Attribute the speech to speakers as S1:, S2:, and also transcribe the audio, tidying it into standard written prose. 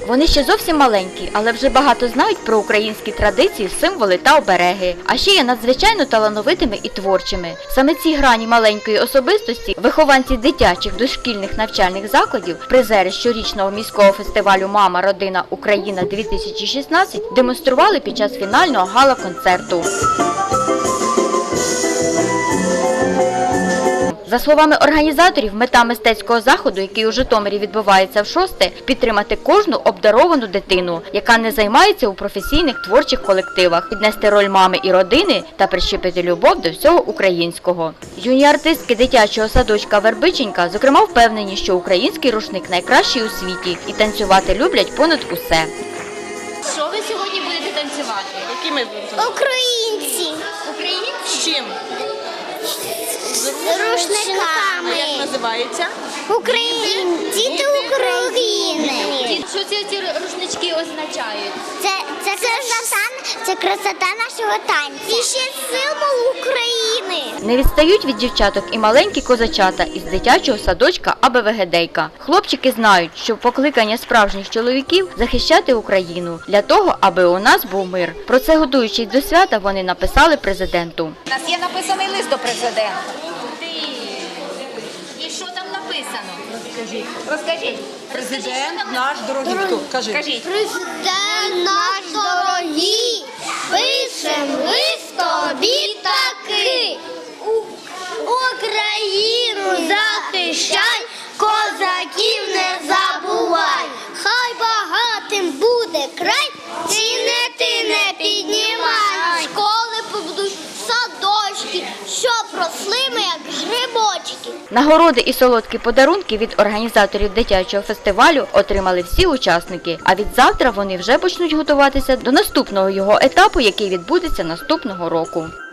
S1: Вони ще зовсім маленькі, але вже багато знають про українські традиції, символи та обереги. А ще є надзвичайно талановитими і творчими. Саме ці грані маленької особистості вихованці дитячих дошкільних навчальних закладів, призери щорічного міського фестивалю «Мама, родина, Україна-2016» демонстрували під час фінального гала-концерту. За словами організаторів, мета мистецького заходу, який у Житомирі відбувається вшосте, підтримати кожну обдаровану дитину, яка не займається у професійних творчих колективах, піднести роль мами і родини та прищепити любов до всього українського. Юні артистки дитячого садочка «Вербиченька», зокрема, впевнені, що український рушник найкращий у світі і танцювати люблять понад усе.
S2: Що ви сьогодні будете танцювати?
S3: Які ми будемо?
S4: Українці.
S2: Українці?
S3: З чим?
S4: З рушниками.
S3: А як називається?
S4: Діти України.
S2: Що ці рушнички означають?
S4: Це красота нашого танцю. І ще символ України.
S1: Не відстають від дівчаток і маленькі козачата із дитячого садочка АБВГДейка. Хлопчики знають, що покликання справжніх чоловіків – захищати Україну, для того, аби у нас був мир. Про це, готуючись до свята, вони написали президенту.
S5: У нас є написаний лист до президента.
S2: І що там написано?
S5: Розкажіть.
S3: Президент наш дорогий. Хто? Кажи.
S5: Кажіть.
S4: Президент наш дорогий, пишем лист тобі такий. Україну захищай, козаків не забувай. Хай багатим буде край, ціни ти не піднімай. Школи побудуй, садочки, щоб росли ми, як грибочки.
S1: Нагороди і солодкі подарунки від організаторів дитячого фестивалю отримали всі учасники. А від завтра вони вже почнуть готуватися до наступного його етапу, який відбудеться наступного року.